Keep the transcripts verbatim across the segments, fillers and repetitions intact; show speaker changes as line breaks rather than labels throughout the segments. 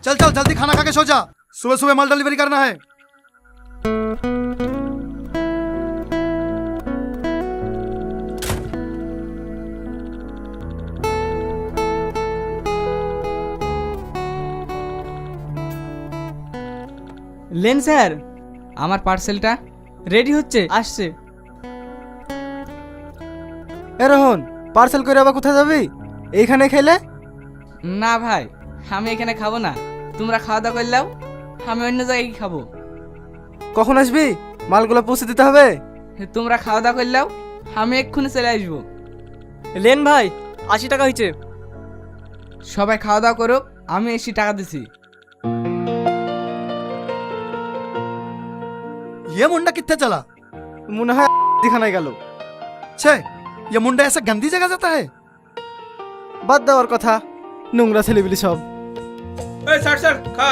चल चल जल्दी खाना खा के सो जा, सुबह सुबह माल डिलीवरी करना है।
लेन স্যার, আমার পার্সেলটা রেডি হচ্ছে, আসছে।
এ রোহন, পার্সেল করে আবার কোথায় যাবি? এইখানে খেলে?
না ভাই, আমি এখানে খাবো না, তোমরা খাওয়া দাওয়া করলেও আমি অন্য জায়গায় খাবো।
কখন আসবি? মালগুলো পৌঁছে দিতে হবে।
তোমরা খাওয়া দাওয়া করলেও আমি এক্ষুনি চলে আসবো।
লেন ভাই, আশি টাকা হয়েছে।
সবাই খাওয়া দাওয়া করুক, আমি এসি টাকা দিছি।
ये मुंडा कितने चला?
মনে হয় দিখানায় গেল।
छे, ये मुंडा ऐसा गंदी जगह जाता है?
বাদ দেওয়ার কথা, নোংরা ছেলেবিলি সব।
এই স্যার স্যার খা।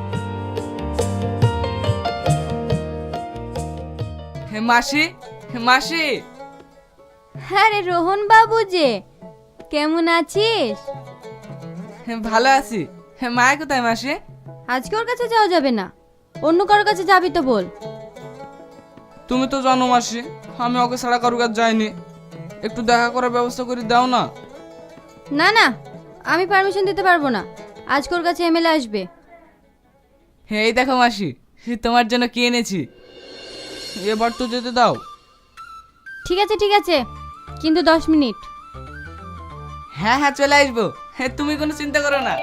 হে মাসি, হে মাসি।
হ্যাঁ রে রোহন বাবু, যে কেমন আছিস?
হে ভালো আছি। হে মায়া কোথায় মাসি?
আজকে ওর কাছে যাওয়া যাবে না, অন্য কারোর কাছে যাবি তো বল।
তুমি তো জানো মাসি, আমি ওকে ছাড়া কারোর কাছে যাইনি, একটু দেখা করার ব্যবস্থা করে দাও না।
না না, আমি পারমিশন দিতে পারবো না, আজকে ওর কাছে এমএলএ আসবে।
হে এই দেখো মাসি, তোমার জন্য কি এনেছি, এবার তো যেতে দাও।
ঠিক আছে ঠিক আছে, কিন্তু দশ মিনিট।
হ্যাঁ হ্যাঁ চলে আসবো, হ্যাঁ তুমি কোনো চিন্তা করো না।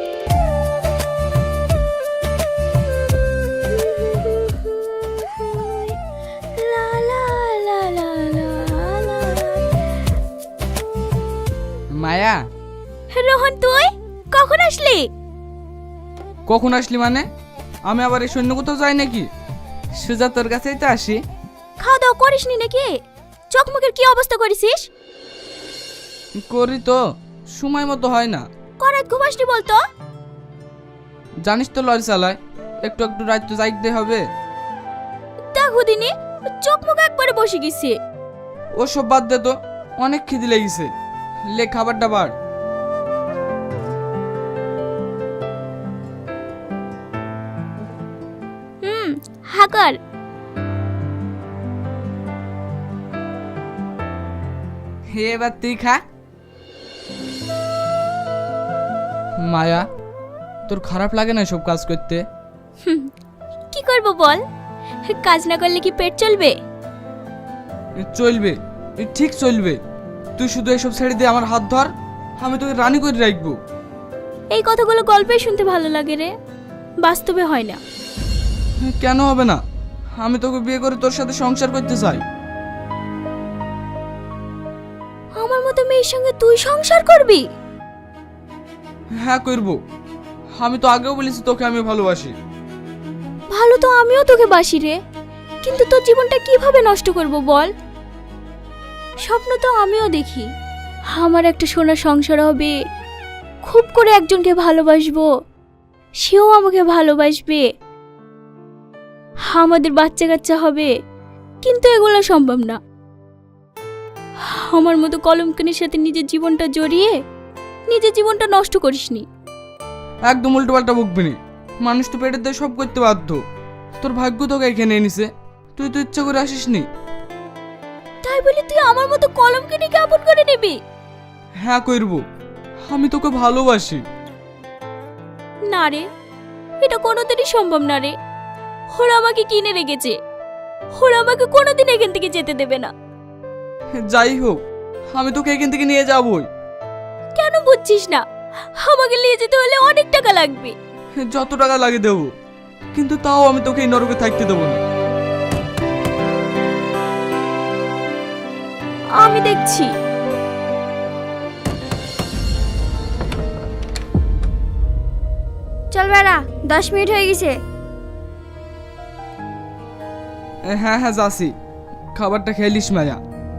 মায়া,
রোহন তুই কখন আসলি?
কখন আসলি মানে? আমি আবার এই সৈন্য কোথাও যাই নাকি? সুজা তোর কাছেই তো আসি।
খাওয়া দাওয়া করিসনি নাকি? চোখ মুখের কি অবস্থা করেছিস?
করি তো, সময় মতো হয় না।
করাত ঘুমাসনি বলতো।
জানিস তো লরি চালায়, একটু একটু রাত তো যাইতে হবে।
দেখো দিনি চোখ মুখ একবারে বসে গেছে।
ও সব বাদ দে তো, অনেক খিদে লেগেছে, লে খাবার দাবার।
হুম হাকার।
হে এবার তুই খা। মায়া, তোর খারাপ লাগে না সব কাজ করতে?
কি করব বল, কাজ না করলে কি পেট চলবে?
চলবে, ঠিক চলবে। তুই শুধু এসব ছেড়ে দিয়ে আমার হাত ধর, আমি তোকে রানী করে রাখবো।
এই কথাগুলো গল্পে শুনতে ভালো লাগে রে, বাস্তবে হয় না।
কেন হবে না? আমি তোকে বিয়ে করে তোর সাথে সংসার করতে চাই।
আমার মতো মেয়ের সঙ্গে তুই সংসার করবি?
হ্যাঁ করব, আমি তো আগেও বলেছি তোকে আমি ভালোবাসি।
ভালো তো আমিও তোকে বাসি রে, কিন্তু তোর জীবনটা কিভাবে নষ্ট করব বল? স্বপ্ন তো আমিও দেখি, আমার একটা সোনার সংসার হবে, খুব করে একজনকে ভালোবাসবো, সেও আমাকে ভালোবাসবে, আমাদের বাচ্চা কাচ্চা হবে, কিন্তু এগুলো সম্ভব না। আমার মতো কলঙ্কিনীর সাথে নিজের জীবনটা জড়িয়ে নিজের জীবনটা নষ্ট করিসনি।
একদম উল্টো পাল্টা বকবি নি, মানুষ তো পেটের দিয়ে সব করতে বাধ্য। তোর ভাগ্য তোকে এখানে এনেছে, তুই তো ইচ্ছা করে আসিসনি।
তাই বলি তুই আমার মতো কলঙ্কিনীকে আপন করে নিবি?
হ্যাঁ করব, আমি তোকে ভালোবাসি।
না রে, এটা কোনোদিনই সম্ভব না রে। ওরা আমাকে কিনে রেখেছে, ওরা আমাকে কোনোদিন এখান থেকে যেতে দেবে না।
যাই হোক, আমি তোকে এখান থেকে নিয়ে যাবই।
কেন বুঝছিস না? আমাকে নিয়ে যেতে হলে অনেক টাকা লাগবে।
যত টাকা লাগে দেবো, কিন্তু তাও আমি তোকে এই নরকে থাকতে দেবো না।
আমি দেখছি। চল বেড়া, দশ মিনিট হয়ে গেছে।
হ্যাঁ হ্যাঁ যাচ্ছি, খাবারটা খেলিস মায়া।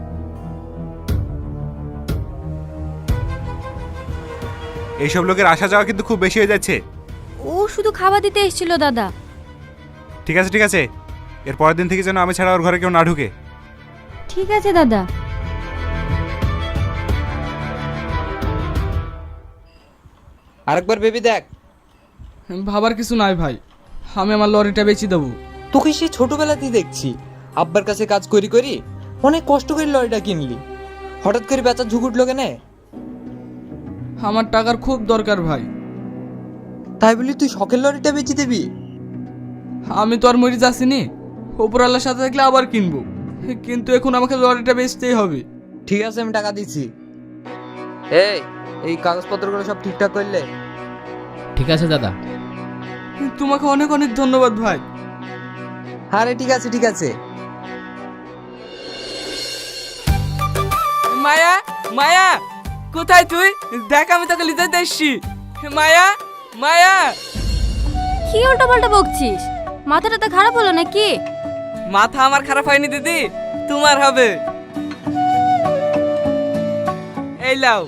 এইসব লোকের আসা যাওয়া কিন্তু খুব বেশি হয়ে যাচ্ছে।
ও শুধু খাবার দিতে এসেছিল দাদা।
ঠিক আছে ঠিক আছে, এর পরের দিন থেকে যেন আমি ছাড়া ওর ঘরে কেউ না ঢুকে।
ঠিক আছে দাদা।
আরেকবার ভেবে দেখ।
ভাবার কিছু নাই ভাই, আমি আমার লরিটা বেচে দেবো।
তোকে সেই ছোটবেলাতেই দেখছি আব্বার কাছে কাজ করি করি অনেক কষ্ট করে লরিটা কিনলি, হঠাৎ করে বেচার ঝুঁক উঠলো কেন?
আমার টাকার খুব দরকার ভাই।
তাই বলি তুই শখের লরিটা বেচে দিবি?
আমি তো আর মরে যাচ্ছিনি, ওপরওয়ালার সাথে থাকলে আবার কিনবো, কিন্তু এখন আমাকে লরিটা বেচতেই হবে।
ঠিক আছে, আমি টাকা দিচ্ছি। এই এই কাগজপত্রগুলো সব ঠিকঠাক করলে?
ঠিক আছে দাদা।
তোমাকে অনেক অনেক ধন্যবাদ ভাই।
আরে ঠিক আছে ঠিক আছে।
মায়া, মায়া, কোথায় তুই? দেখ আমি তোকে লিতে এসছি। মায়া, মায়া।
কি উল্টো পাল্টা বকছিস? মাথাটা তো খারাপ হলো নাকি?
মাথা আমার খারাপ হয়নি দিদি, তোমার হবে। এই লাও।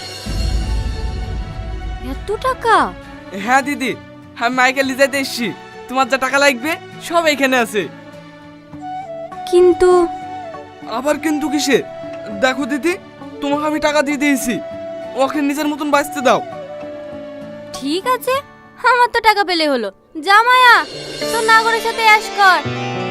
এত টাকা?
হ্যাঁ দিদি, আমি মাইকে লিজাইতে এসছি, তোমার যা টাকা লাগবে সব এখানে আছে।
কিন্তু
আবার কিন্তু কিসে? দেখো দিদি, তোমাকে আমি টাকা দিয়ে দিয়েছি, ওকে নিজের মতন বাঁচতে দাও।
ঠিক আছে, আমার তো টাকা পেলে হলো। যা মায়া, তোর নাগরের সাথে অ্যাশ কর।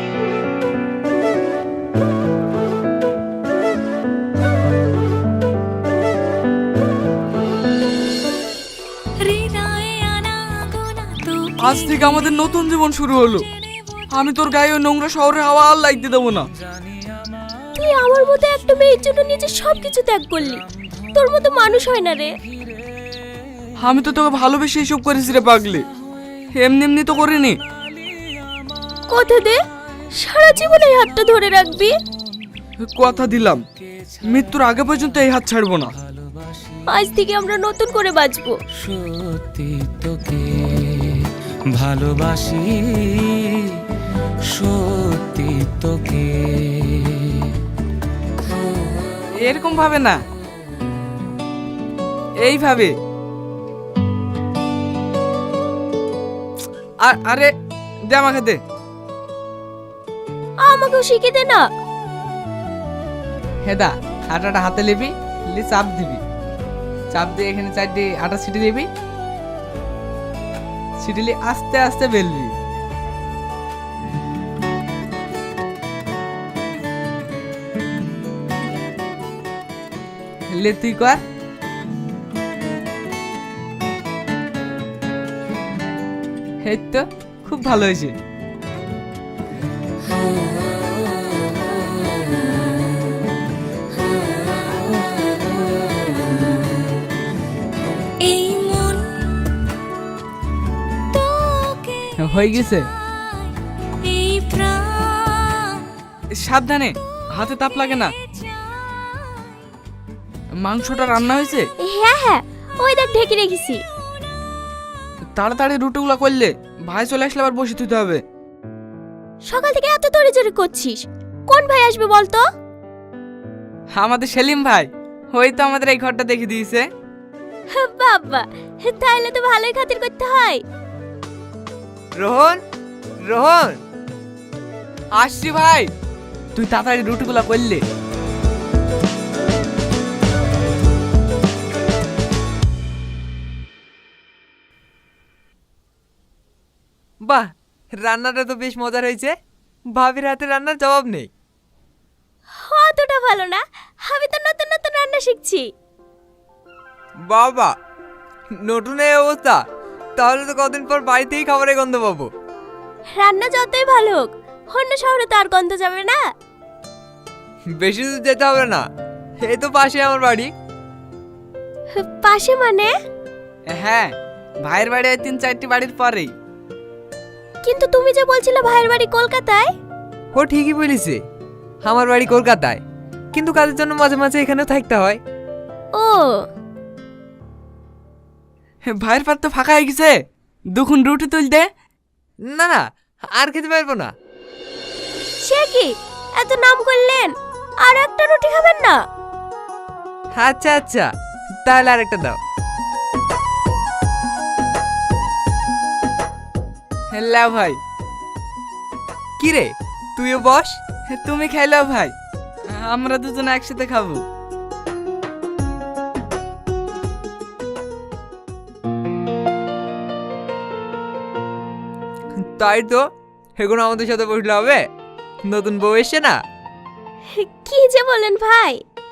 আজ থেকে আমাদের নতুন জীবন শুরু হলো। আমি তোর গায়ে ওই নোংরা শহরে হাওয়া আর লাগতে দেবো না।
তুই আমার মতো একটা মেয়ের জন্য নিজের সবকিছু ত্যাগ করলি। তোর মতো মানুষ হয় না রে।
আমি তো তোকে ভালোবেসে এসব করেছি রে পাগলি, এমনি এমনি তো করিনি।
কথা দে, সারা জীবন এই হাতটা ধরে রাখবি।
কথা দিলাম, মৃত্যুর আগে পর্যন্ত এই হাত ছাড়বো না।
আজ থেকে আমরা নতুন করে বাঁচবো।
সত্যি তোকে ভালোবাসি, সত্যি তোকে।
এরকম ভাবে না, এইভাবে। আর- আরে দে আমাকে দে।
আমাকেও শিখে দে না।
হেদা, আটাটা হাতে নিবি, লি চাপ দিবি, চাপ দিয়ে এখানে চারটি আটা ছিটি দিবি, ছিটিলি আস্তে আস্তে বেলবি। লে তুই কর। এই তো খুব ভালো হয়েছে। হয়ে গেছে। সাবধানে, হাতে তাপ লাগে না। মাংসটা রান্না হয়েছে?
হ্যাঁ হ্যাঁ, ওই দেখ ঢেকে রেখেছি।
তাড়াতাড়ি রুটিগুলো করলে ভাই চলে আসলে আবার বসে দিতে হবে।
সকাল থেকে এত তড়ি জড়ি করছিস, কোন ভাই আসবে বলতো?
আমাদের সেলিম ভাই, ওই তো আমাদের এই ঘরটা দেখে দিয়েছে।
বাবা, তাহলে তো ভালোই খাতির করতে হয়।
রোহন, রোহন, আসছি ভাই। তুই তাড়াতাড়ি রুটিগুলো করলে।
বাহ, রান্নাটা তো বেশ মজার হয়েছে। ভাবির হাতে রান্নার জবাব নেই।
অতটা ভালো না, আমি তো নতুন নতুন রান্না শিখছি।
বাবা, নতুন এই অবস্থা, তাহলে তো কদিন পর বাড়িতেই খাবারের গন্ধ পাবো।
রান্না যতই ভালো হোক, অন্য শহরে তো আর গন্ধ যাবে না।
বেশি দূর যেতে হবে না, এই তো পাশে আমার বাড়ি।
পাশে মানে?
হ্যাঁ, ভাইয়ের বাড়ি তিন চারটি বাড়ির পরেই।
কিন্তু তুমি যে বলছিলে ভাইয়ের বাড়ি কলকাতায়।
ও ঠিকই বলেছে, আমার বাড়ি কলকাতায়, কিন্তু কাজের জন্য মাঝে মাঝে এখানেও থাকতে হয়।
ও,
ভাইয়ের পাত তো ফাঁকা হয়ে গেছে, দুখন রুটি তুলতে।
না না, আর খেতে পারবো না।
সে কি, এত নাম করলেন, আর একটা রুটি খাবেন না?
আচ্ছা আচ্ছা, তাহলে আরেকটা দাও।
হ্যালো ভাই।
কি রে, তুইও বস।
তুমি খাইলাও ভাই, আমরা দুজনে একসাথে খাবো।
তাই তো, এখন আমাদের সাথে বসলে হবে? নতুন বউ এসছে না?
কি যে বলেন ভাই।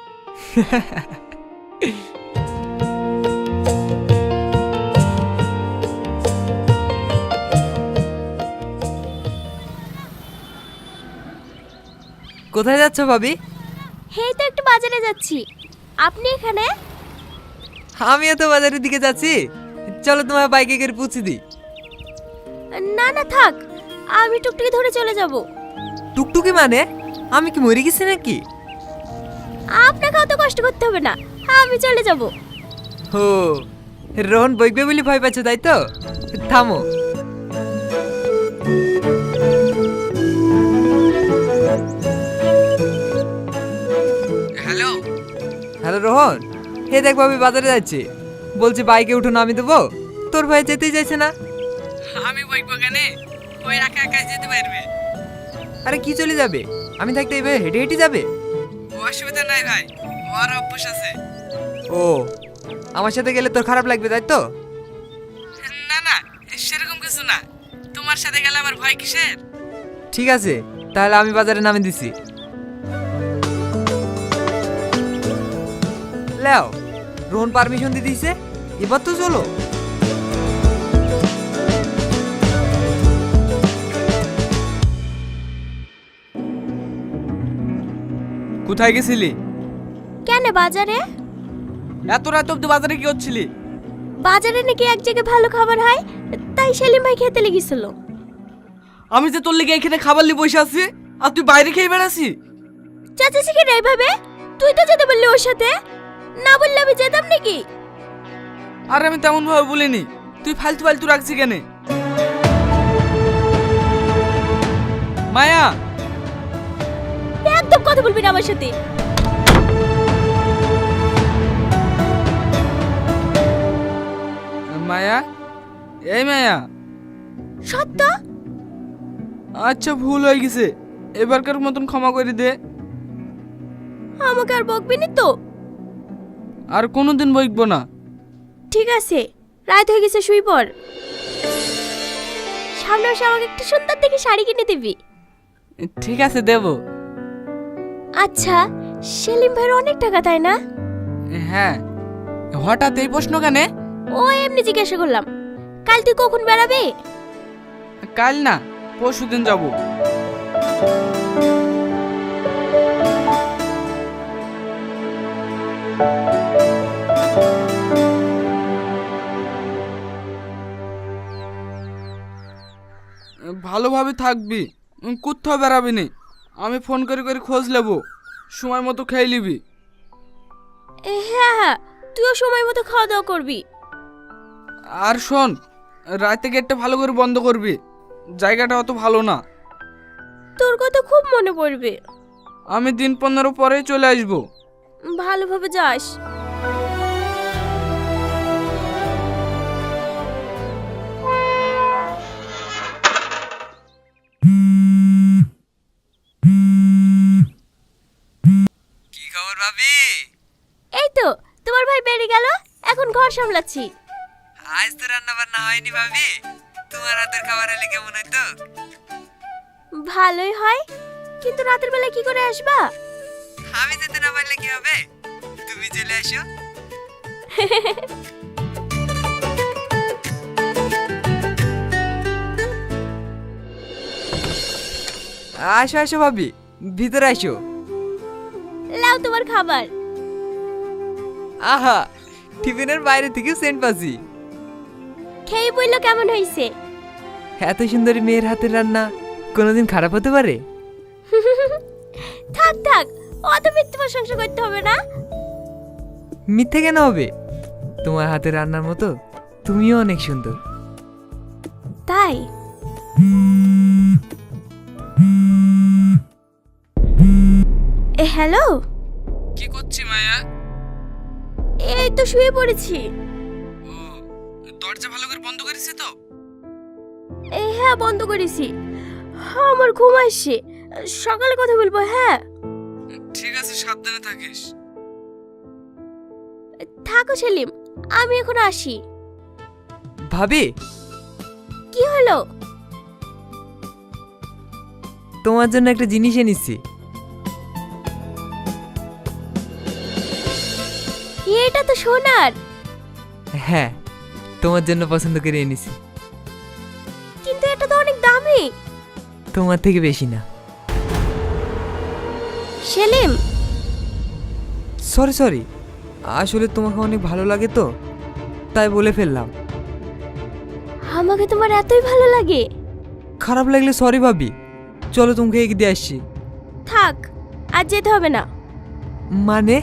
কোথায় যাচ্ছ ভাবি?
হেই তো একটু বাজারে যাচ্ছি। আপনি এখানে?
আমিও তো বাজারের দিকে যাচ্ছি। চলো তোমার বাইকে করে পৌঁছে দিই।
না না থাক, আমি টুকটুকি ধরে চলে যাব।
টুকটুকি মানে? আমি কি মরে গেছি নাকি?
আপনাকে অত কষ্ট করতে হবে না, আমি চলে যাব।
হো, রোহন বইবে বলে ভয় পাচ্ছ তাই তো? থামো।
হ্যালো।
হ্যালো রোহন, হে দেখ ভাবি বাজারে যাচ্ছে, বলছে বাইকে উঠো নামি দেবো। তোর ভাই যেতেই চাইছে না।
আমি বইব কেন? ওই একা একা যেতে পারবে।
আরে কি চলে যাবে? আমি থাকতে এইভাবে হেঁটে হেঁটে যাবে?
অসুবিধা নাই ভাই, ওর অভ্যাস আছে।
ও, আমার সাথে গেলে তোর খারাপ লাগবে তাই তো?
না না, সেরকম কিছু না। তোমার সাথে গেলে আমার ভয় কিসের?
ঠিক আছে, তাহলে আমি বাজারে নামে দিছি। লেও, রোহন পারমিশন দিয়ে দিয়েছে, এবার তো চলো।
কোথায় গেছিলি?
কেন বাজারে?
এত রাত অব্দি বাজারে কি হচ্ছিলি?
বাজারে নাকি এক জায়গায় ভালো খাবার হয়, তাই সেলিম ভাই খেতে লেগেছিল।
আমি যে তোর লেগে এখানে খাবার নিয়ে বসে আছি, আর তুই বাইরে খেয়ে বেড়াসি?
চাচা শিখে নাই ভাবে, তুই তো যেতে বললি ওর সাথে, না বললে আমি যেতাম নাকি?
আর আমি তেমন ভাবে বলিনি, তুই ফালতু ফালতু রাখছি কেন? মায়া,
একদম কথা বলবি না আমার সাথে।
মায়া, এই মায়া।
সত্য?
আচ্ছা ভুল হয়ে গেছে, এবারকার মতন ক্ষমা করে দে।
আমাকে আর বকবি না তো?
আর কোনোদিন বইকবো না।
ঠিক আছে, রাত হয়ে গেছে, শুই পড়। সামনে এসে আমাকে একটা সুন্দর দেখে শাড়ি কিনে দিবি।
ঠিক আছে, দেব।
আচ্ছা, সেলিম ভাইয়ের অনেক টাকা তাই না?
হ্যাঁ, হঠাৎ এই প্রশ্ন কেন?
ও এমনি জিজ্ঞাসা করলাম। কাল তুই কখন বেড়াবে?
কাল না, পরশু দিন যাবো। ভালোভাবে থাকবি, কোথাও বেড়াবি নি। আমি ফোন করে করে খোঁজ নেব, সময় মতো খেয়ে নিবি।
এ, হ্যাঁ হ্যাঁ, তুইও সময় মতো খাওয়া দাওয়া করবি।
আর শোন, রাতে গেটটা ভালো করে বন্ধ করবি, জায়গাটা অত ভালো না।
তোর কথা খুব মনে পড়বে।
আমি দিন পনেরো পরে চলে আসবো।
ভালোভাবে যাস।
কি খবর ভাবি?
এই তো তোমার ভাই বেরিয়ে গেল, এখন ঘর সামলাচ্ছি।
আজ তো রান্না বান্না হয়নি ভাবি, তোমার হাতের খাবার এলে কেমন হইতো?
ভালোই হয়, কিন্তু রাতের বেলা কি করে আসবা?
আমি যেতে না পারলে কি হবে, তুমি চলে আসো। আসো আসো ভাবি, ভিতরে আসো।
লাও তোমার খাবার।
আহা, টিফিনের বাইরে থেকে সেন্ট পাচ্ছি।
খেয়ে বললো কেমন হয়েছে?
এত সুন্দরী মেয়ের হাতের রান্না কোনোদিন খারাপ হতে পারে?
থাক থাক, অত মিথ্যে প্রশংসা করতে হবে না।
মিথ্যে কেন হবে? তোমার হাতের রান্নার মতো তুমিও অনেক সুন্দর।
তাই? এ হ্যালো,
কি করছি মায়া?
এই তো শুয়ে পড়েছি।
ও, দরজা ভালো করে বন্ধ করেছি তো?
এ হ্যাঁ, বন্ধ করেছি। আমার ঘুম আসছে, সকালে কথা বলবো। হ্যাঁ
ঠিক আছে, সাবধানে থাকিস।
থাকো সেলিম, আমি এখন আসি।
ভাবি,
কি হলো?
তোমার জন্য একটা জিনিস এনেছি।
এটা তো সোনার।
হ্যাঁ, তোমার জন্য পছন্দ করে এনেছি।
কিন্তু এটা তো অনেক দামি।
তোমার থেকে বেশি না।
সেলিম,
সরি সরি, আসলে তোমাকে অনেক ভালো লাগে তো, তাই বলে ফেললাম।
আমাকে তোমার এতই ভালো লাগে?
খারাপ লাগলে সরি ভাবি। চলো তোমাকে এগিয়ে দিয়ে আসছি।
থাক, আজ যেতে হবে না।
মানে?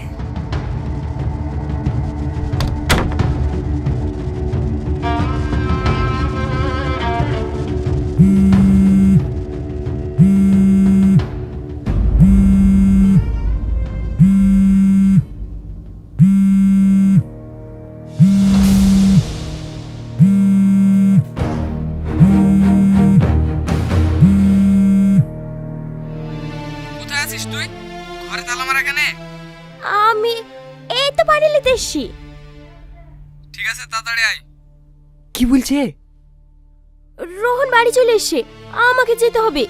কোথায় আছিস তুই? ঘরে তালা মারা কেন?
আমি এই তো পানি নিতে এসছি।
ঠিক আছে, তাড়াতাড়ি আয়।
কি বলছে?
রোহন বাড়ি চলে এসছে, আমাকে যেতে হবে।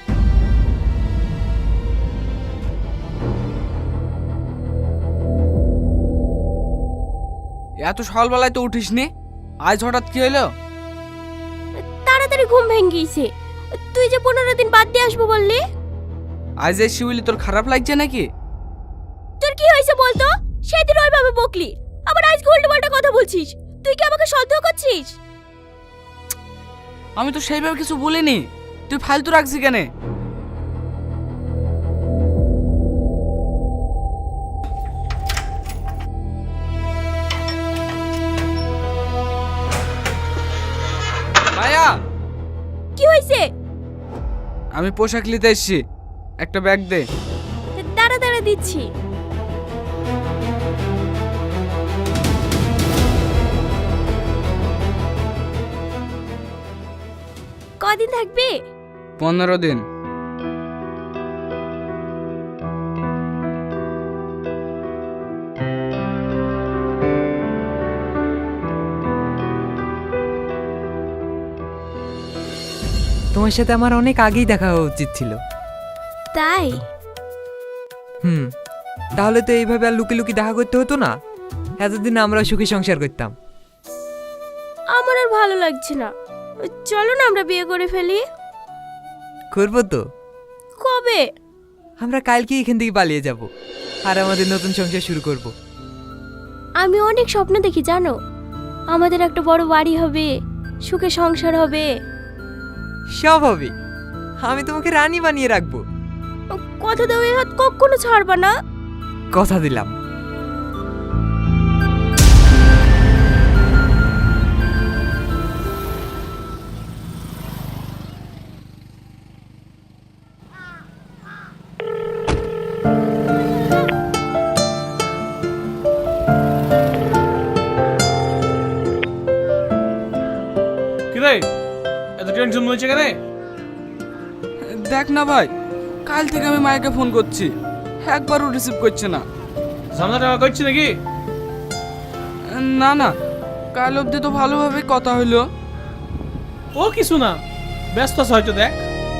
এত সকালবেলায় তো উঠিসনি, আজ হঠাৎ কি হলো?
তাড়াতাড়ি ঘুম ভেঙে গিয়েছে। তুই যে পনেরো দিন বাদ দিয়ে আসবো বললি।
আজ এই শিউলি তোর খারাপ লাগছে নাকি?
তোর কি হয়েছে বলতো? সেদিন ওইভাবে বকলি, আবার আজকে উল্টো পাল্টা কথা বলছিস। তুই কি আমাকে সন্দেহ করছিস?
আমি তো সেইভাবে কিছু বলিনি, তুই ফালতু রাখছি কেন? মায়া,
কি হয়েছে?
আমি পোশাক নিতে এসেছি, একটা ব্যাগ দে।
দাঁড়া দাঁড়া দিচ্ছি। কদিন থাকবে?
পনেরো দিন।
তোমার সাথে আমার অনেক আগেই দেখা হওয়া উচিত ছিল।
তাই?
হুম, তাহলে তো এইভাবে আর লুকি লুকি দেখা করতে হতো না। এতদিন আমরা সুখী সংসার করতাম।
আমার আর ভালো লাগছে না। চলো না আমরা বিয়ে করে ফেলি।
করবো তো।
কবে?
আমরা কালকে এখান থেকে পালিয়ে যাব আর আমাদের নতুন সংসার শুরু করব।
আমি অনেক স্বপ্ন দেখি জানো, আমাদের একটা বড় বাড়ি হবে, সুখে সংসার হবে।
সব হবে। আমি তোমাকে রানী বানিয়ে রাখবো।
কথা দাও, এই হাত কখনো ছাড়বা না।
কথা দিলাম।
কিরে এত টেনশন হয়েছে কেন?
দেখ না ভাই, কাল থেকে আমি মায়াকে ফোন করছি, একবারও রিসিভ করছে না।
ঝামেলা টাকা করছি নাকি?
না না, কাল অবধি তো ভালোভাবে কথা হইলো।
ও কিছু না, ব্যস্ত আছে হয়তো। দেখ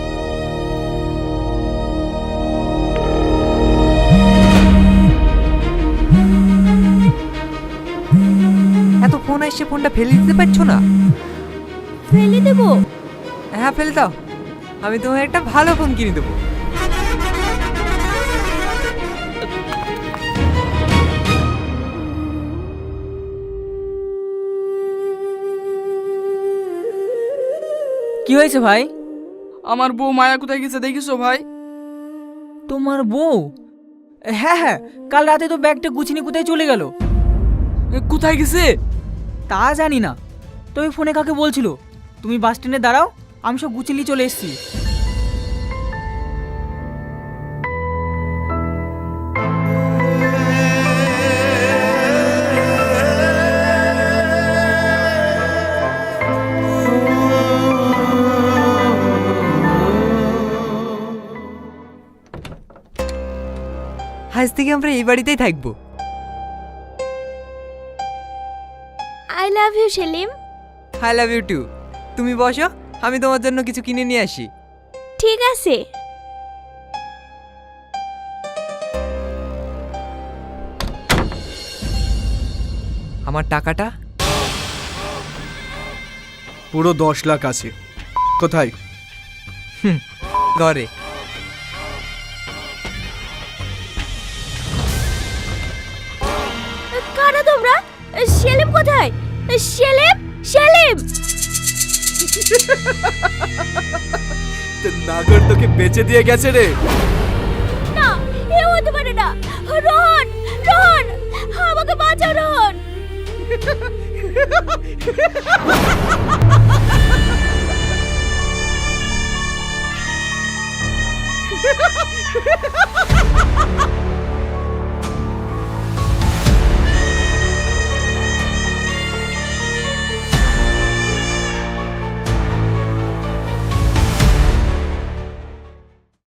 এত ফোন আসছে, ফোনটা ফেলে দিতে পারছো না?
ফেলে দেবো?
হ্যাঁ ফেলে দাও, আমি তোমায় একটা ভালো ফোন কিনে দেবো।
কি হয়েছে ভাই?
আমার বউ মায়া কোথায় গেছে দেখিছো ভাই?
তোমার বউ? হ্যাঁ হ্যাঁ, কাল রাতে তো ব্যাগটা গুছিয়ে কোথায় চলে গেল।
এ, কোথায় গেছে
তা জানি না, তবে ফোনে কাকে বলছিল তুমি বাস স্ট্যান্ডে দাঁড়াও, আমি সব গুছিয়ে নিয়ে চলে এসেছি।
আজ থেকে আমরা এই বাড়িতেই থাকবো।
I love you Selim.
I love you too. তুমি বসো, আমি তোমার জন্য কিছু কিনে নিয়ে আসি।
ঠিক আছে।
আমার টাকাটা?
পুরো দশ লাখ আছে। কোথায়?
ঘরে।
কারা তোমরা? সেলিম কোথায়? সেলিম, সেলিম!
নাগর তোকে বেচে দিয়ে গেছে রে।
না, এ হতে পারে না। রোহন, রোহন, আমাকে বাঁচাও রোহন।